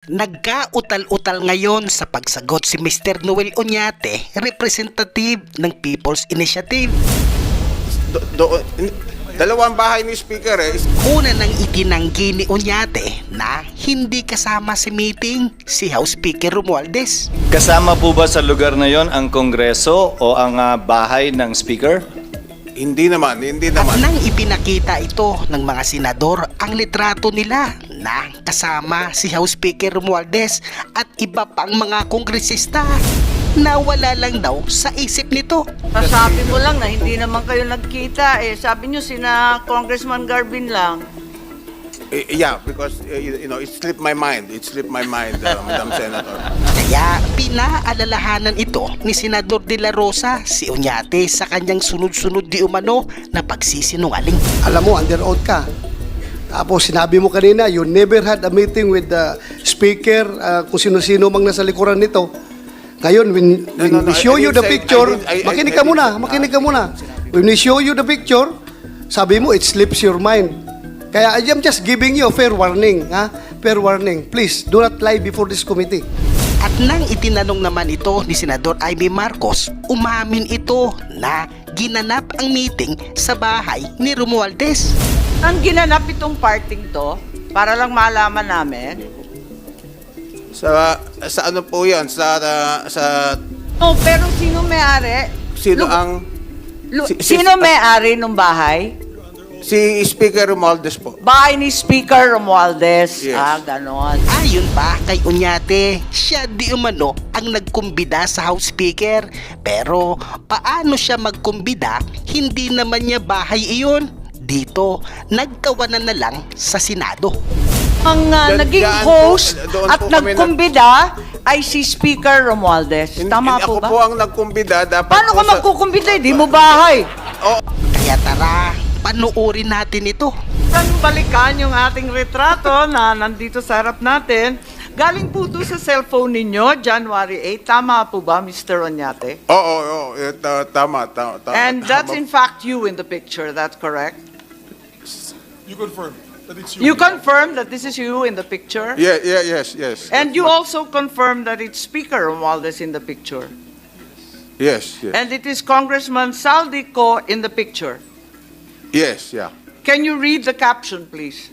Nagkautal-utal ngayon sa pagsagot si Mr. Noel Oñate, representative ng People's Initiative. Dalawang bahay ni Speaker Una nang itinanggi ni Oñate na hindi kasama sa meeting si House Speaker Romualdez. Kasama po ba sa lugar na yon ang Kongreso o ang bahay ng Speaker? Hindi naman. At nang ipinakita ito ng mga senador ang litrato nila na kasama si House Speaker Romualdez at iba pang mga kongresista, nawala lang daw sa isip nito. Sabi mo lang na hindi naman kayo nagkita eh. Sabi nyo sina Congressman Garvin lang. Yeah, because it slipped my mind. Madam Senator. Kaya pinaalalahanan ito ni Senador De La Rosa si Oñate sa kanyang sunod-sunod di umano na pagsisinungaling. Alam mo, under oath ka. Tapos sinabi mo kanina, you never had a meeting with the speaker, kung sino-sino mang nasa likuran nito. Ngayon, when we show you the picture, makinig ka muna. When we show you the picture, sabi mo, it slips your mind. Kaya I am just giving you a fair warning. Fair warning. Please, do not lie before this committee. At nang itinanong naman ito ni Senador Amy Marcos, umamin ito na ginanap ang meeting sa bahay ni Romualdez. Ang ginanap itong parting to, para lang malaman namin. Sa ano po yan? Oh, pero sino may-ari? Sino may-ari ng bahay? Si Speaker Romualdez po. Bahay ni Speaker Romualdez. Yes. Ganon. Ayon pa kay Oñate, siya di umano ang nagkumbida sa House Speaker. Pero paano siya magkumbida? Hindi naman niya bahay iyon. Dito, nagkawanan na lang sa Senado. Ang naging host at nagkumbida ay si Speaker Romualdez. Tama po ba? Ako po ang nagkumbida. Paano ka magkukumbida? Di mo bahay. Kaya tara, panuorin natin ito. Saan balikan yung ating retrato na nandito sa harap natin? Galing po ito sa cellphone ninyo, January 8. Tama po ba, Mr. Oñate? Oo. Tama. And that's in fact you in the picture, that's correct? You confirm that it's you. You confirm that this is you in the picture? Yes. And you also confirm that it's Speaker Romualdez in the picture? Yes. And it is Congressman Saldico in the picture? Yes, yeah. Can you read the caption, please?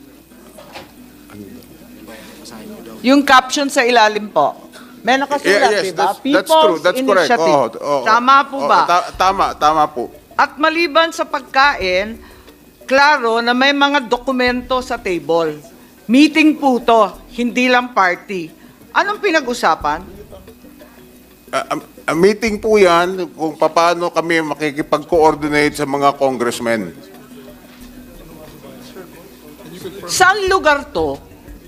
Yung caption sa ilalim po. May nakasulat, Yes, diba? that's true. That's correct. Initiative. Tama po ba? Tama po. At maliban sa pagkain, klaro na may mga dokumento sa table. Meeting po to, hindi lang party. Anong pinag-usapan? A meeting po yan kung paano kami makikipag-coordinate sa mga congressmen. Saan lugar to?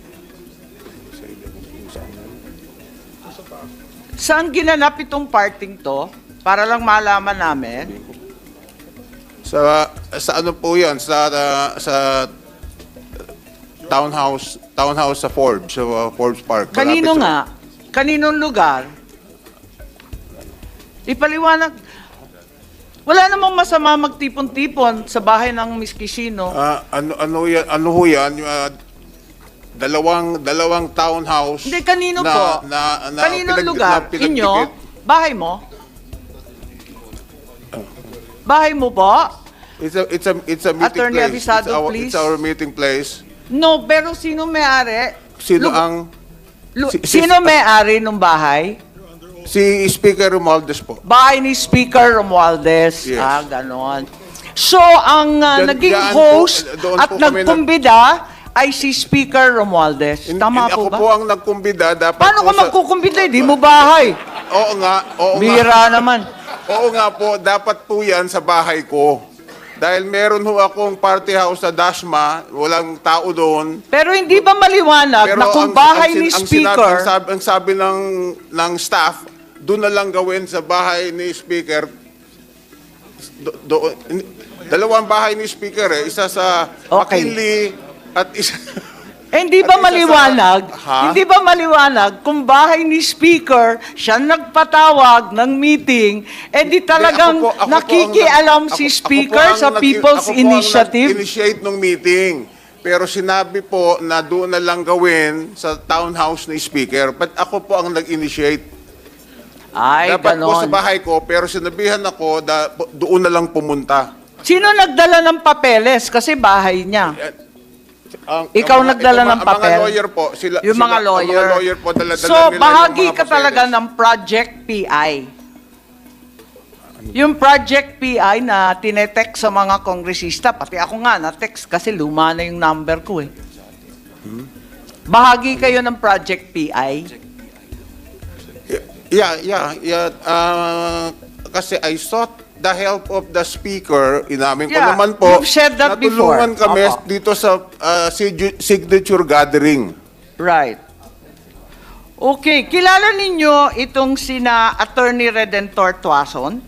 Saan ginanap itong parting to? Para lang malaman namin. Sa ano po yan? Sa townhouse sa Forbes Park. Kanino Malapit nga? Kaninong lugar? Ipaliwanag. Wala namang masama magtipon-tipon sa bahay ng Miss Kishino. Ano ho yan? Dalawang townhouse. Hindi, kanino po? Kaninong lugar? Inyo? Bahay mo? Bahay mo po? It's a meeting Attorney place. Avisado, please. It's our meeting place. No, pero sino may-ari? Sino ang Sino may-ari ng bahay? si Speaker Romualdez po? Bahay ni Speaker Romualdez. Yes. Ganon. So, ang naging Diyan host doon at po kami nagkumbida ay si Speaker Romualdez. Tama po Ako ba? po ang nagkumbida. Dapat Paano po ka magkukumbida? Di mo bahay. Oo nga. Bira naman. Oo nga po. Dapat po yan sa bahay ko. Dahil meron ho akong party house sa Dasma. Walang tao doon. Pero hindi ba maliwanag na kung bahay ni Speaker... Ang sabi ng staff, doon na lang gawin sa bahay ni Speaker. Dalawang bahay ni Speaker Isa sa Okay. McKinley at isa... hindi ba At isa maliwanag? Ha? Hindi ba maliwanag kung bahay ni Speaker siya nagpatawag ng meeting, di talagang Ako po nakikialam si Speaker sa People's Initiative? Ako po ang nag-initiate ng meeting. pero sinabi po na doon na lang gawin sa townhouse ni Speaker. But ako po ang nag-initiate. Ay, Dapat po sa ganon. bahay ko, pero sinabihan ako doon na lang pumunta. Sino nagdala ng papeles? Kasi bahay niya. Ikaw nagdala ng Ang mga papel? lawyer po. Yung mga lawyer. Ang mga lawyer po, dala-dala So, nila bahagi yung mga ka talaga papeles. ng Project PI. Yung Project PI na tinetext sa mga kongresista, pati ako nga na-text kasi luma na yung number ko eh. Bahagi kayo ng Project PI. Yeah. Kasi I sought the help of the speaker. Inamin ko Yeah, naman po. you've said that natulungan before. kami Opo. dito sa signature gathering. Right. Okay, kilala ninyo itong sina Attorney Redentor Tuason?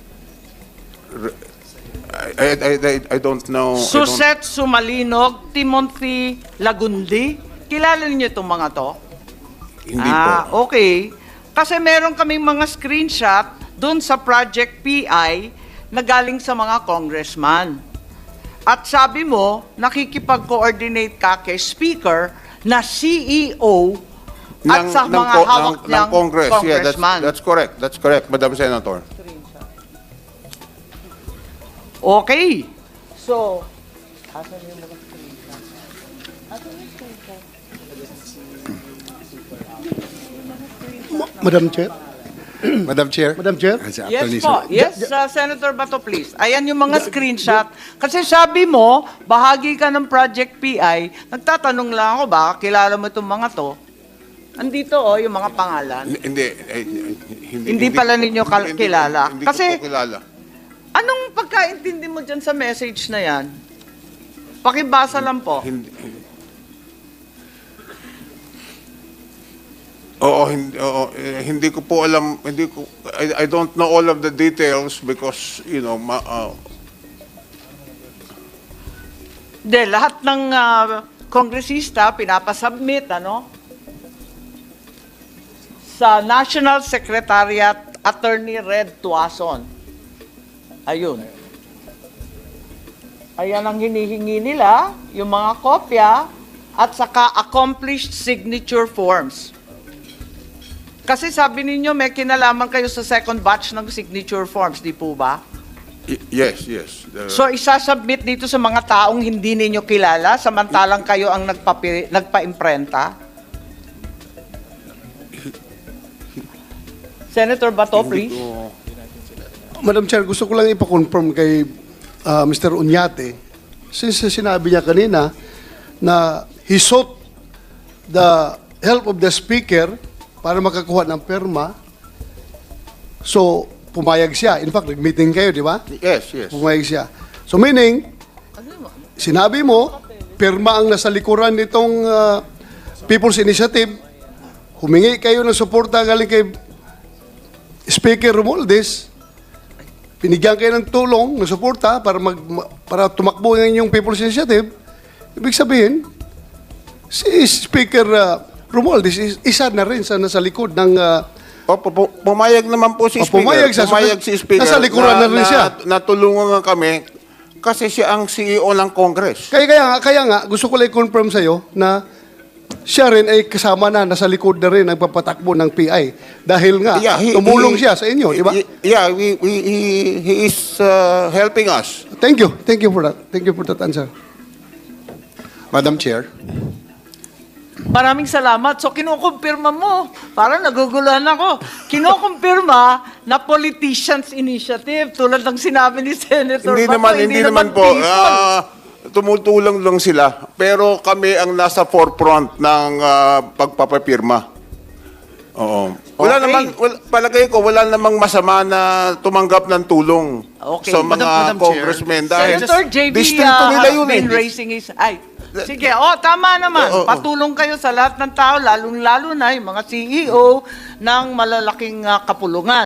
I don't know. Suset Sumalinog, Timothy Lagundi. Kilala ninyo itong mga to? Hindi po. Okay. Kasi meron kaming mga screenshot doon sa Project PI na galing sa mga congressman. At sabi mo, nakikipag-coordinate ka kay Speaker na CEO at sa mga hawak ng niyang Congress. Yeah, congressman. that's correct. That's correct, Madam Senator. Okay. So, Madam Chair. Madam Chair. Madam Chair. yes po. Yes, Senator Bato, please. Ayan yung mga screenshot. Kasi sabi mo, bahagi ka ng Project PI. Nagtatanong lang ako, baka kilala mo itong mga to. Andito yung mga pangalan. Hindi pala ninyo kilala. Hindi Kasi- ko po kilala. Anong pagkaintindi mo dyan sa message na yan? Pakibasa lang po. Hindi ko po alam, I don't know all of the details because, Hindi, lahat ng kongresista pinapasubmit, sa National Secretariat Attorney Red Tuason. Ayun. Ayan ang hinihingi nila, yung mga kopya, at saka accomplished signature forms. Kasi sabi ninyo, may kinalaman kayo sa second batch ng signature forms, di po ba? yes. So isasubmit dito sa mga taong hindi ninyo kilala, samantalang kayo ang nagpa-imprenta? Senator Bato, please. Madam Chair, gusto ko lang ipa-confirm kay Mr. Uñate, since sinabi niya kanina na he sought the help of the Speaker para makakuha ng perma, so pumayag siya. In fact, nag-meeting kayo, di ba? Yes. Pumayag siya. So meaning, sinabi mo, perma ang nasa likuran nitong People's Initiative, humingi kayo ng suporta galing kay Speaker Romualdez, pinigyan kayo ng tulong, ng suporta para tumakbo ng inyong People's Initiative. Ibig sabihin, si Speaker Romualdez isa na rin sa nasa likod ng Pumayag naman po si Speaker. pumayag siya. Pumayag si Speaker. Nasa likuran na rin siya. Natulungan nga kami kasi siya ang CEO ng Congress. Kaya nga, gusto ko lang i-confirm sa'yo na siya rin ay kasama na, nasa likod na rin nagpapatakbo ng PI. Dahil nga, tumulong siya sa inyo, di ba? Yeah, he is helping us. Thank you. Thank you for that. Thank you for that answer. Madam Chair. Maraming salamat. So kinukumpirma mo. Parang naguguluhan ako. Kinukumpirma na politicians initiative tulad ng sinabi ni Senator Bato. Hindi naman po. people. Tumutulong lang sila. Pero kami ang nasa forefront ng pagpapapirma. Oo. Palagay ko, wala namang masama na tumanggap ng tulong Okay. sa mga Madam Chair. congressmen. Dahil Senator JB distinto nila has yun been eh. raising his... Ay, sige, tama naman. Patulong kayo sa lahat ng tao, lalong-lalo na yung mga CEO ng malalaking kapulungan.